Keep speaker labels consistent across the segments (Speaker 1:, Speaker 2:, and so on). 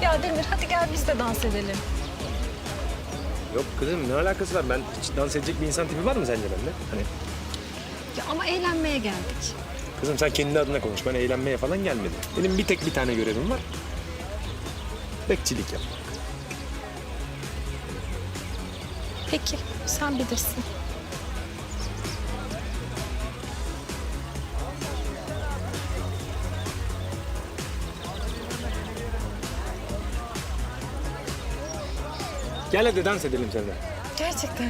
Speaker 1: Ya Demir hadi gel biz de dans edelim.
Speaker 2: Yok kızım ne alakası var? Ben hiç dans edecek bir insan tipi var mı sence bende? Hani
Speaker 1: Ya ama eğlenmeye geldik.
Speaker 2: kızım sen kendi adına konuş. Ben eğlenmeye falan gelmedim. Benim bir tane görevim var. Bekçilik yap.
Speaker 1: Peki sen bilirsin.
Speaker 2: Gel hadi dans edelim seninle.
Speaker 1: Gerçekten.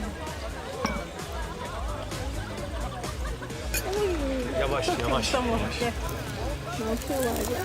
Speaker 2: Yavaş yavaş.
Speaker 1: Tamam.
Speaker 2: Yavaş.
Speaker 1: Gel. Ne yapıyorlar ya?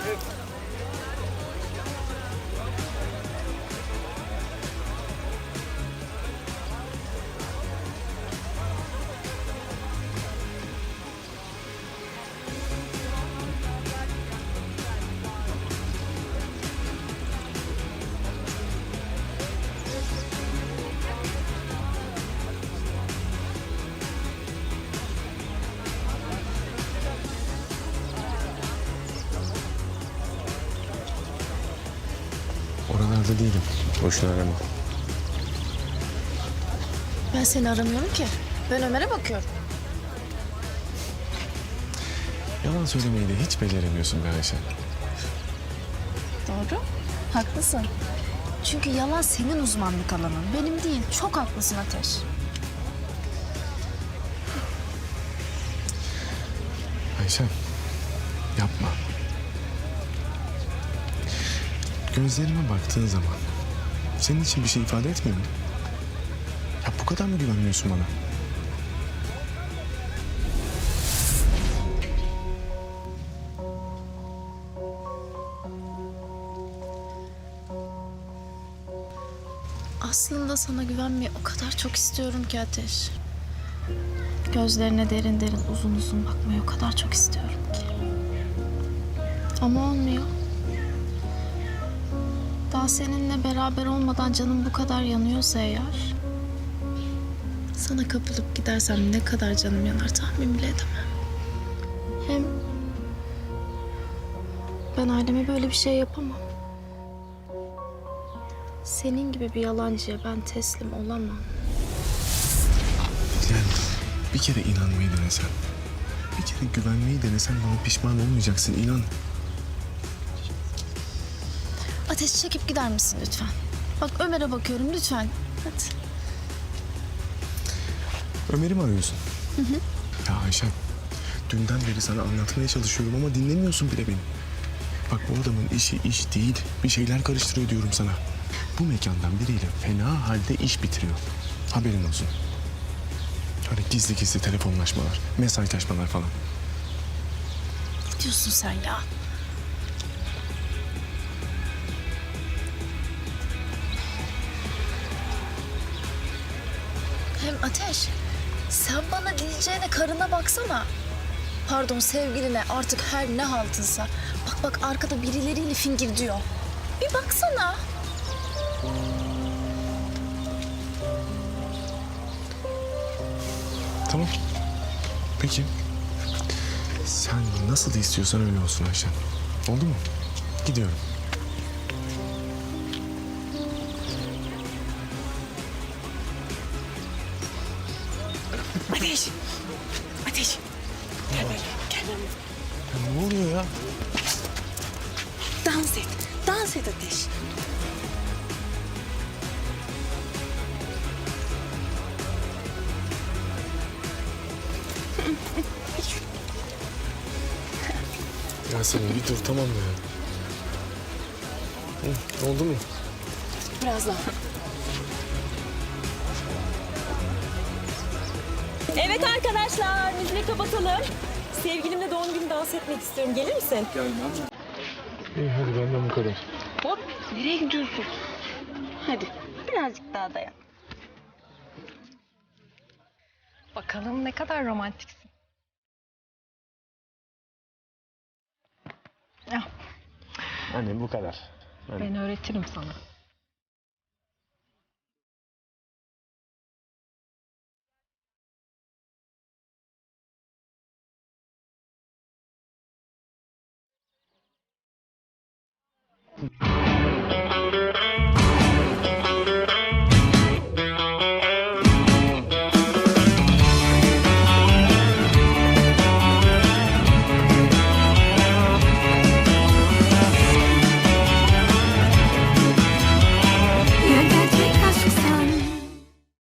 Speaker 2: Oralarda değilim. Boşuna arama.
Speaker 3: Ben seni aramıyorum ki. Ben Ömer'e bakıyorum.
Speaker 4: Yalan söylemeyi de hiç beceremiyorsun be Ayşe.
Speaker 3: Doğru. Haklısın. Çünkü yalan senin uzmanlık alanın. Benim değil. Çok haklısın Ateş.
Speaker 4: Ayşe, yapma. Gözlerime baktığın zaman senin için bir şey ifade etmiyor mu? Ya bu kadar mı güvenmiyorsun bana?
Speaker 3: Aslında sana güvenmeyi o kadar çok istiyorum ki Ateş. Gözlerine derin derin uzun uzun bakmayı o kadar çok istiyorum ki. Ama olmuyor. Daha seninle beraber olmadan canım bu kadar yanıyorsa eğer... sana kapılıp gidersem ne kadar canım yanar tahmin bile edemem. Hem ben aileme böyle bir şey yapamam. Senin gibi bir yalancıya ben teslim olamam.
Speaker 4: Yani bir kere inanmayı denesen, bir kere güvenmeyi denesen bana pişman olmayacaksın, inan.
Speaker 3: Ateş çekip gider misin lütfen? Bak Ömer'e bakıyorum lütfen. Hadi.
Speaker 4: Ömer'i mi arıyorsun? Hı hı. Ya Ayşem, dünden beri sana anlatmaya çalışıyorum ama dinlemiyorsun bile beni. Bak bu adamın işi iş değil, bir şeyler karıştırıyor diyorum sana. Bu mekandan biriyle fena halde iş bitiriyor. Haberin olsun. Öyle gizli gizli telefonlaşmalar, mesajlaşmalar falan.
Speaker 3: Ne diyorsun sen ya? Hem Ateş, sen bana diyeceğine karına baksana. Pardon sevgiline artık her ne haltınsa. Bak bak arkada birileriyle fingir diyor. Bir baksana.
Speaker 4: Tamam. Peki. Sen nasıl istiyorsan öyle olsun Ayşen. Oldu mu? Gidiyorum.
Speaker 1: Ateş. Ateş. Gel böyle. Gel.
Speaker 4: Ya ne oluyor ya?
Speaker 1: Dans et. Dans et Ateş.
Speaker 4: Yasemin bir dur tamam mı ya? Hı, oldu mu?
Speaker 1: Biraz daha. Evet arkadaşlar, müziği kapatalım. Sevgilimle doğum günü dans etmek istiyorum. Gelir misin?
Speaker 4: İyi hadi benden bu kadar.
Speaker 1: Hop, nereye gidiyorsun? Hadi, birazcık daha dayan. Bakalım ne kadar romantiksin. Ah,
Speaker 4: Hani bu kadar.
Speaker 1: ben öğretirim sana.